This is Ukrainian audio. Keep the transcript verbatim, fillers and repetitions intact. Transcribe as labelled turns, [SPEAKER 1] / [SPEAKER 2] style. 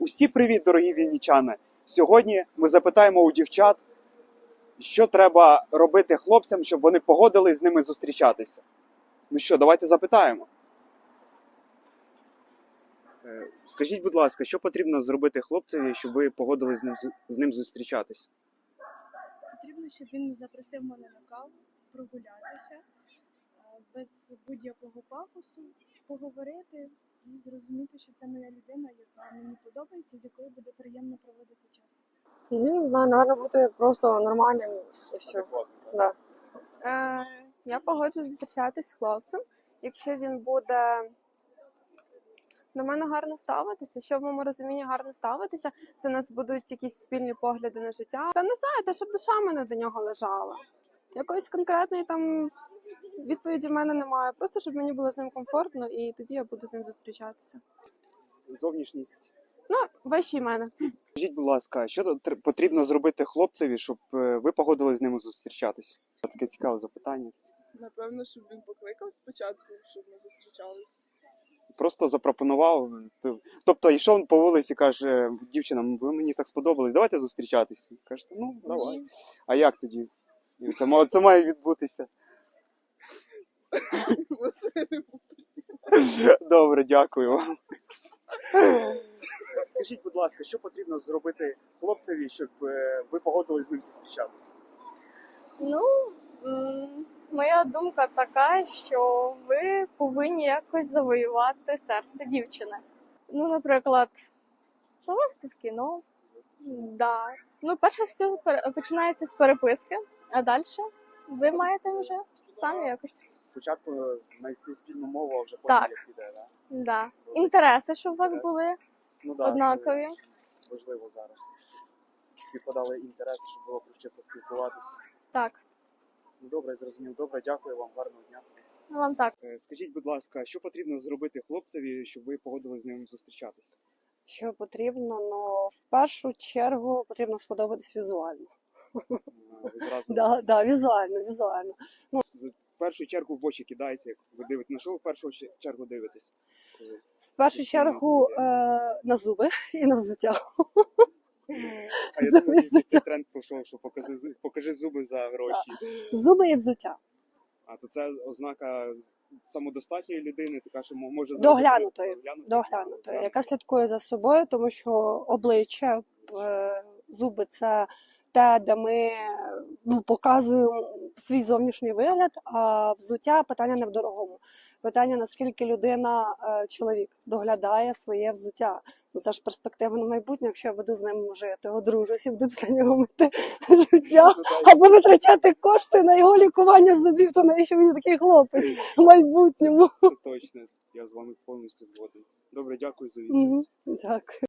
[SPEAKER 1] Усі привіт, дорогі вінничани! Сьогодні ми запитаємо у дівчат, що треба робити хлопцям, щоб вони погодились з ними зустрічатися. Ну що, давайте запитаємо. Скажіть, будь ласка, що потрібно зробити хлопцеві, щоб ви погодились з ним, з ним зустрічатись?
[SPEAKER 2] Потрібно, щоб він запросив мене на каву, прогулятися, без будь-якого пафосу, поговорити і зрозуміти, що це моя людина, яка мені подобається, з якою буде приємно проводити час.
[SPEAKER 3] Я не знаю, наверное, бути просто нормальним і все. Да.
[SPEAKER 4] Е, я погоджуюсь зустрічатись з хлопцем, якщо він буде до мене гарно ставитися, що в моєму розумінні гарно ставитися, це у нас будуть якісь спільні погляди на життя. Та не знаю, те, щоб душа мене до нього лежала. Якоїсь конкретної там відповіді в мене немає. Просто, щоб мені було з ним комфортно, і тоді я буду з ним зустрічатися.
[SPEAKER 1] Зовнішність.
[SPEAKER 4] Ну, вищий мене.
[SPEAKER 1] Скажіть, будь ласка, що тр- потрібно зробити хлопцеві, щоб е, ви погодились з ними зустрічатись? Таке цікаве запитання.
[SPEAKER 5] Напевно, щоб він покликав спочатку, щоб ми зустрічалися.
[SPEAKER 1] Просто запропонував. Тобто йшов по вулиці і каже, дівчина, ви мені так сподобались, давайте зустрічатися. Кажете, ну, давай.
[SPEAKER 5] Ні.
[SPEAKER 1] А як тоді? І Це, ма- це має відбутися.
[SPEAKER 5] Оце не буду.
[SPEAKER 1] Добре, дякую вам. Скажіть, будь ласка, що потрібно зробити хлопцеві, щоб е, ви погодились з ним зустрічатися?
[SPEAKER 6] Ну, м, моя думка така, що ви повинні якось завоювати серце дівчини. Ну, наприклад, повести в кіно. Да. Ну, перше все пер- починається з переписки, а далі ви маєте вже самі якось.
[SPEAKER 1] Спочатку знайти спільну мову, а вже потім
[SPEAKER 6] Так.
[SPEAKER 1] як іде, да?
[SPEAKER 6] Да. Інтереси, щоб у вас
[SPEAKER 1] Інтереси.
[SPEAKER 6] були
[SPEAKER 1] Ну, да,
[SPEAKER 6] однакові.
[SPEAKER 1] це важливо зараз. Співпадали інтереси, щоб було про що поспілкуватися.
[SPEAKER 6] Так,
[SPEAKER 1] Ну, добре, зрозумів. Добре, дякую вам, гарного дня.
[SPEAKER 6] ну, вам так.
[SPEAKER 1] Е, Скажіть, будь ласка, що потрібно зробити хлопцеві, щоб ви погодились з ним зустрічатися?
[SPEAKER 3] Що потрібно, ну в першу чергу потрібно сподобатись візуально.
[SPEAKER 1] Е, Ви зразу
[SPEAKER 3] Да, да, візуально, візуально.
[SPEAKER 1] в першу чергу в очі кидається, як ви дивитесь. На що ви в першу ч- чергу дивитесь? Коли-
[SPEAKER 3] В першу чергу е, на зуби і на взуття.
[SPEAKER 1] А я думаю, що цей тренд пішов, що покажи, зу- покажи зуби за гроші.
[SPEAKER 3] Зуби і взуття.
[SPEAKER 1] А то це ознака самодостатньої людини, така що мо- може
[SPEAKER 3] Доглянутої.
[SPEAKER 1] доглянути.
[SPEAKER 3] Доглянути, яка слідкує за собою, тому що обличчя, е, зуби це те, де ми ну, показуємо свій зовнішній вигляд, а взуття питання не в дорогому. Питання, наскільки людина, е, чоловік, доглядає своє взуття. Ну, це ж перспектива на майбутнє, якщо я буду з ним жити, одружусь і буду після нього мити взуття,
[SPEAKER 1] Ну, так,
[SPEAKER 3] або витрачати кошти на його лікування зубів, то навіщо мені такий хлопець в майбутньому?
[SPEAKER 1] Це точно. Я з вами повністю згоден. Добре, дякую за відповідь.
[SPEAKER 3] Мгм. Дякую.